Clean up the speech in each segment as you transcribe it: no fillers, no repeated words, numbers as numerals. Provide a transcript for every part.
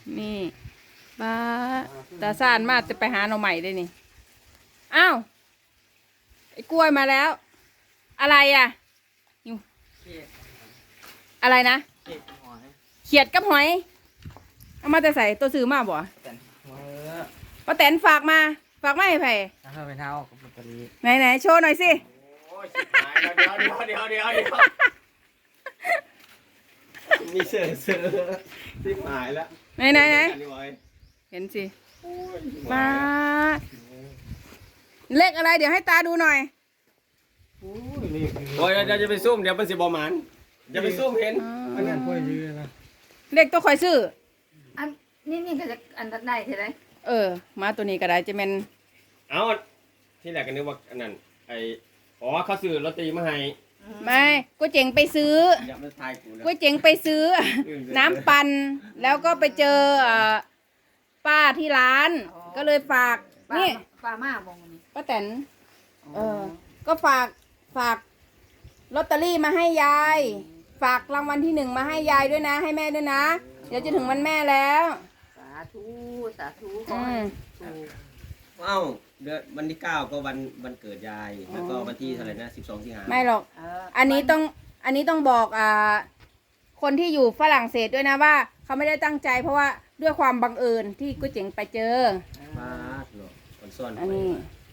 นี่ป้าตาซ่านมาจะไปหาหน่อใหม่ได้นี่อ้าวไอ้กล้วยมาแล้ว อะไรอ่ะอยู่อะไรนะเขียดกับหอยเอามาแต่ใส่ตัวซื้อมาบ่ป้าแตนฝากมาให้ไผ่ไปเท้ากับลอตเตอรี่ไหนโชว์หน่อยสิโอ้ยชิบหายแล้วเดี๋ยวมีเสือชิบหายแล้วไหนเห็นสิมาเลขอะไรเดี๋ยวให้ตาดูหน่อยโอ้ยเดี๋ยวจะไปซุ่มเดี๋ยวมันสิบอมันอย่าไปซุ่มเห็นอันนั้นค่อยยืนนะเลขตัวคอยซื้ออันนี่ก็จะอันได้ใช่ไหมมาตัวนี้ก็ได้จะเป็นเอาที่แรกกันนึกว่าอันนั้นเขาซื้อลอตเตอรี่มาให้ไม่ก็เจ๋งไปซื้อก๋วยเจ๋งไปซื้อน้ำปั่นแล้วก็ไปเจอป้าที่ร้านก็เลยฝากนี่ป้ามาบงป้าแตนก็ฝากลอตเตอรี่มาให้ยายฝากรางวัลที่1มาให้ยายด้วยนะให้แม่ด้วยนะเดี๋ยวจะถึงวันแม่แล้วสาธุเอ้าเดือนวันที่9ก็วันเกิดยายแล้วก็วันที่เท่าไหร่นะ12 สิงหาคมไม่หรอกอันนี้ต้องบอกคนที่อยู่ฝรั่งเศสด้วยนะว่าเขาไม่ได้ตั้งใจเพราะว่าด้วยความบังเอิญที่ก๋วยเจ๋งไปเจอมาหรอคนซ่อนอันนี้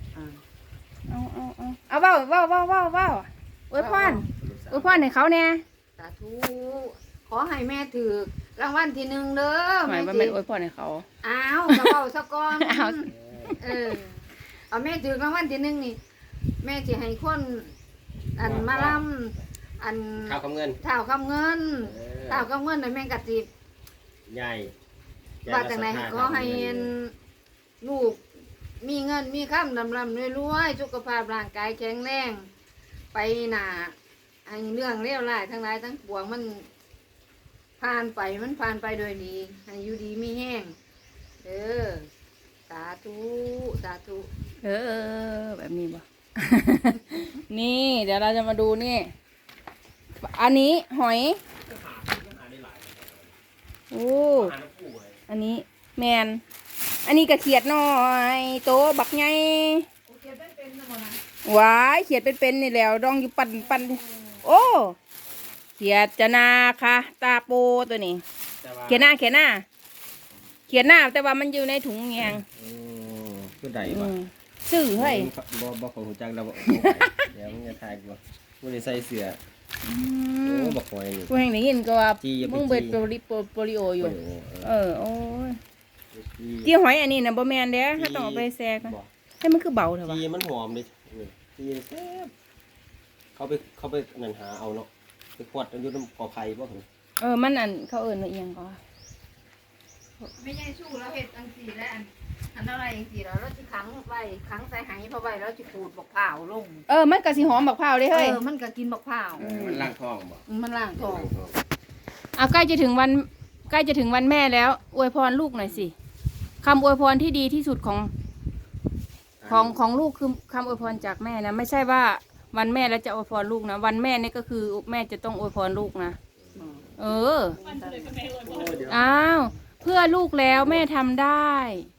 เอาว้าวอวยพรให้เขาเนี่ยสาธุขอให้แม่ถือรางวัลที่1เด้อหมายว่าไม่อวยพรให้เขาอ้าวกระเป๋าสะกอนเอาแม่ถือรางวัลที่1นี่แม่จะให้คนอันมาล่ำอันข้าวคำเงินข้าวคำเงินแม่กะติใหญ่ว่าจากไหนก็ให้ลูกมีเงินมีค่ำดำรวยสุขภาพร่างกายแข็งแรงไปหนาไอ้เรื่องเลวร้ายทั้งหลายทั้งปวงมันผ่านไปโดยดีให้อยู่ดีมีแห้งสาธุแบบนี้บ่ นี่เดี๋ยวเราจะมาดูนี่อันนี้หอยโอ้อันนี้แมนอันนี้กระเขียดน้อยโตบักไงว้ายเขียดเป็นนี่แล้วดองอยู่ปั่นโอ้เขียดจะนาค่ะตาโปตัวนี้เขียดหน้าแต่ว่ามันอยู่ในถุงแยงคือใดวะซื้อให้บ่ของหูจักเราบ่เดี๋ยวมึงจะทายกูมึงได้ใส่เสื้อบอกหอยนี่กูแห่งได้ยินก็ว่ามึงเบิดโปลิโออยู่โอ้ยจีหอยอันนี้นะบ่แมนเด้ถ้าต้องเอาไปแซ่กันให้มันคือเบาเถอะวะจีมันหอมดิจีแซ่บเขาไปนั่นหาเอาเนาะไปขวดอยู่น้ำกอไผ่บ่ถึงมันอันเขาเอียงก็ไม่ใช่สู้แล้วเห็ดอันสีแล้วอันอะไรอันสีแล้วจะขังใส่ไหเพราะไว้แล้วจะขูดบักเผาลงมันก็สิหอมบักเผาเลยเฮ้ยมันก็กินบักเผามันล้างท้องบ่มันล้างท้องใกล้จะถึงวันแม่แล้วอวยพรลูกหน่อยสิคำอวยพรที่ดีที่สุดของลูกคือคำอวยพรจากแม่นะไม่ใช่ว่าวันแม่แล้วจะอวยพรลูกนะวันแม่นี่ก็คือแม่จะต้องอวยพรลูกนะอ้าวเพื่อลูกแล้วแม่ทำได้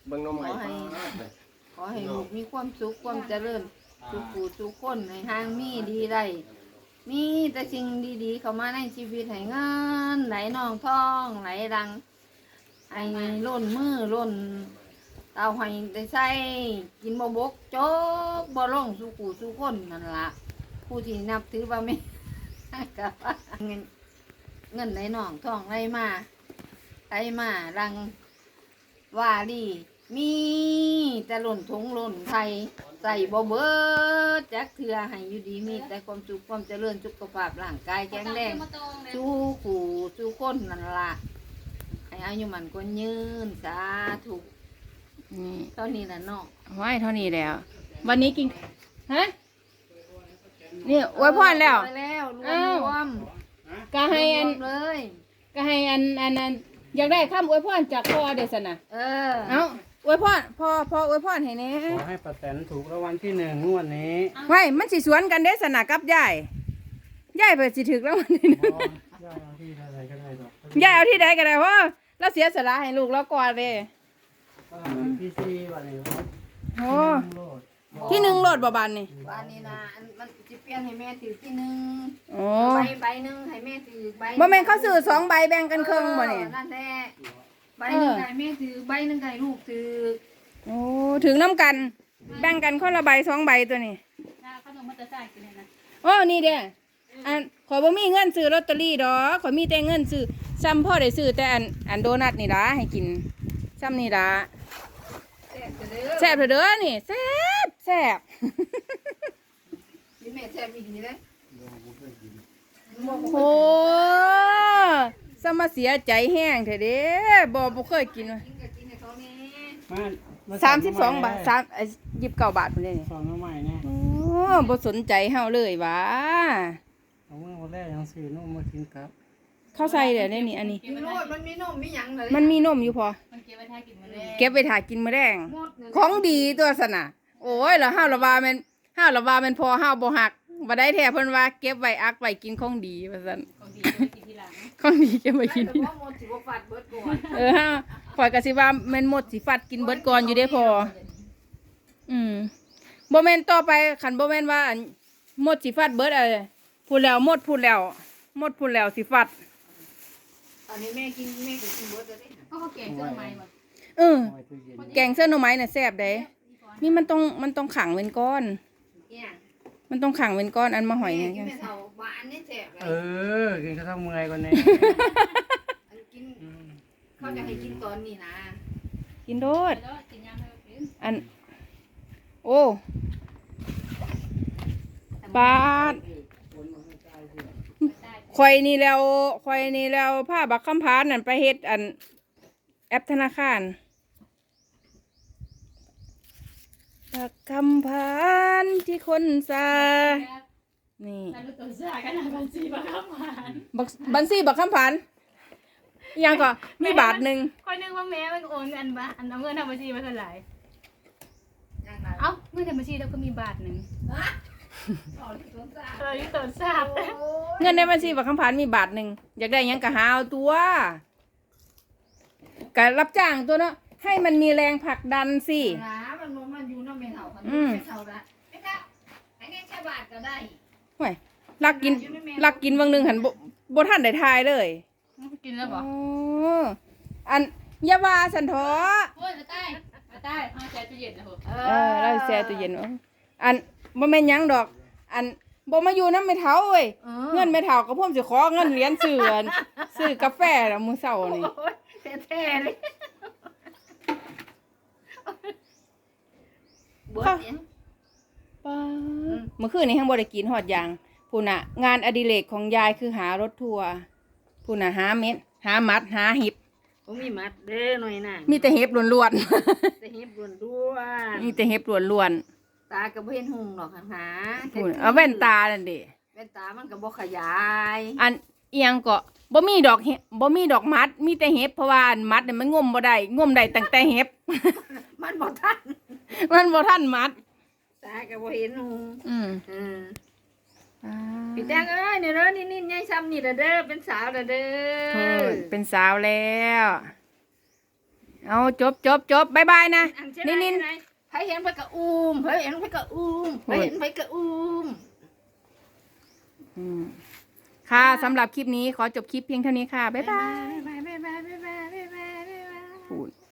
ขอให้ลูกมีความสุขความเจริญทุกคนในทางมีดีได้มีแต่สิ่งดีๆเข้ามาในชีวิตให้เงินไหลนองท่องไหลดังไอ้ล้นมือล้นเตาหอยได้ใส่กินบกโจ๊กบ่ลงสู่คนนั่นล่ะผู้ที่นับถือว่าไม่กับเงินไหลนองท่องไหลมาดังว่าดีมีแต่หล่นทงหล่นไทยใส่บ่เบิดจักเถื่อให้อยู่ดีมีแต่ความสุขความเจริญสุขภาพร่างกายแข็งแรงสู่คนนั่นล่ะให้อายุมันก็ยืนสาธุเท่านี้แหละเนาะไว้เท่านี้แล้ว วันนี้กินฮะนี่อวยพรแล้วรวมก็ให้อันเลยก็ให้อันอยากได้คำอวยพรจากพ่อเดชนะเอาอวยพรพ่ออวยพรให้แน่ขอให้ป้าแตนถูกรางวัลที่1งวดนี้ไว้มันสิสวนกันเดชนะกับยายเปิดสิถึกรางวัลที่1ยายเอาที่ใดก็ได้เพราะแล้วเสียสละให้ลูกแล้วก่อนเลยพี่ซีวันนี้โอ้โลดที่หนึ่งโลดบ่บานนี่บ้านนี้นะอันมันจะเปลี่ยนให้แม่ถือที่หนึ่งโอ้ใบหนึ่งให้แม่ถือใบบ่แม่นเขาซื้อ2ใบแบ่งกันครึ่งบ่นี่นั่นแหละใบหนึ่งให้แม่ถือใบหนึ่งให้ลูกถือโอ้ถึงน้ำกัน แบ่งกันคนละใบ2ใบตัวนี้ขนมมันจะใส่กินเลยนะโอ้นี่เด้ออันขอยบ่มีเงินซื้อลอตเตอรี่ดอกขอยมีแต่เงินซื้อซ้ำพ่อได้ซื้อแต่อันโดนัทนี่ล่ะให้กินซ้ำนี่ล่ะแซ่บเด้อแซ่บเถอะเด้อนี่แซ่บแซ่บนี่แม่แซ่บอีกทีเลยโอ้สมาเสียใจแห้งเถอะเด้บ่เคยกินว่ะกินก็กินให้เขานี่มา 32 บาท29 บาทพุ่นเด้นี่สอนมาใหม่เนี่ยโอ้บ่สนใจเฮาเลยหวะเอาเมื่อวันแรกยังซื้อนุ่มมากินครับเข้าใส่เด้อนี่อันนี้กินโลดมันมีนมมีหยังเลยมันมีนมอยู่พอมันเก็บไว้ถ้ากินมันเลยเก็บไว้ถ่ากินมื้อแรงหมดเลยของดีตัวสนะโอ้ยแล้วห้าวละว่าแม่นห้าวละว่าแม่นพอห้าวบ่หักบ่ได้แท้เพิ่นว่าเก็บไว้อักไว้กินของดีว่าซั่นของดีไว้กินทีหลังของดีเก็บไว้กินแต่ทีหว่าลังหมดสิบ่ฟาดเบิดก่อนห้าวข่อยก็สิว่าแม่นหมดสิฟัดกินเบิดก่อนอยู่เด้พอบ่แม่นต่อไปคันบ่แม่นว่าอันหมดสิฟัดเบิดพูดแล้วหมดพูดแล้วหมดพูดแล้วสิฟัดตอนนี้แม่กินแม่ก็กินเบิดเลยเด้เพราะเขาแกงเส้นไหมหมดเออเอาไว้ตู้เย็นแกงเส้นหน่อไม้น่ะแซ่บเด้นี่มันต้องขังเป็นก้อนเนี่ยมันต้องขังเป็นก้อนอันมาหอยแม่เนี่ยกินแม่เฒ่าหวานนี่แซ่บเลเอย กินก็ต้องเมื่อยกว่านี้อันกินเขาจะให้กินตอนนี้นะกินโดดแล้วกินยำให้กินอัน โอ้บาดข่อยนี่แล้วผ้าบักคำพานนั่นไปเฮ็ดอันแอปธนาคารบักคำพานที่คนซานี่แล้วตัวซากันนะบัญชีบังคับผ่านบัญชีบักคำพานอิหยังก็มีบาทหนึ่งคอยนึกว่าแม่มันโอนเงินบ้าอันเอาเงินทำบัญชีมาเท่าไหร่อย่างนั้นเอ้าเงินทำบัญชีแล้วก็มีบาทหนึ่งอ๋อที่สวนสายี่ตัวซาบเงินในบัญชีบักคำพานมีบาทหนึ่งอยากได้หยังก็หาเอาตัวก็รับจ้างตัวเนาะให้มันมีแรงผลักดันสินะมันอยู่น้ำแม่เฒ่าคันอืมแม่เฒ่าละแม่เฒ่าให้แม่แค่บาทก็ได้ห่วยลักกินวังหนึ่งหันบ่ทันได้ทายเลยกินแล้วบออ๋ออันอยาว่าสันทอโอ้ยใต้เอาใจจะเย็นนะผมเราแช่ตู้เย็นเอาอันบ่แม่นหยังดอก อันบ่มาอยู่นำแม่เฒ่าเว้ยเงินแม่เฒ่าก็พ่มสิขอเงินเหรียญซื้ออันซื้อกาแฟน่ะมื้อเช้านี่โอ้ยแท้ๆเลยเบิดเนี่ยป้าเมื่อคืนนี้ยังบ่ได้กินฮอดหยังพุ่นน่ะ งานอดิเรกของยายคือหารถทัวร์พุ่นน่ะหาเม็ดหามัดหาหิบผมมีมัดเด้อหน่อยน่ะมีแต่เห็บล้วนแต่เห็บด่วนๆ มีแต่เห็บล้วนๆตาก็บ่เห็นหุ่งหรอกหาๆพุ่นเอาแว่นตานั่นเด้แว่นตามันก็บ่ขยายอันเอียงก็บ่มีดอกเห็บบ่มีดอกมัด มีแต่เห็บเพราะว่าอันมัดเนี่ยมันงมบ่ได้งมได้ตั้งแต่เห็บมันบ่ทันมันบ่ทันมัดตาก็บ่เห็นหุ่งอืมพี่แตงเอ้ยนี่เด้อนี่ๆยายซ้ำนี่เด้อเป็นสาวเด้อโอ้ยเป็นสาวแล้ว เอาจบบ๊ายบายนะอัเช่นินไหไผเห็นไผก็อุ้มไผเห็นไผก็อุ้มไผเห็นไผก็อุ้มอืมค่ะสำหรับคลิปนี้ขอจบคลิปเพียงเท่านี้ค่ะ บ๊ายบายบ๊ายบายบ๊ายบายบ๊ายบายบ๊ายบายพูด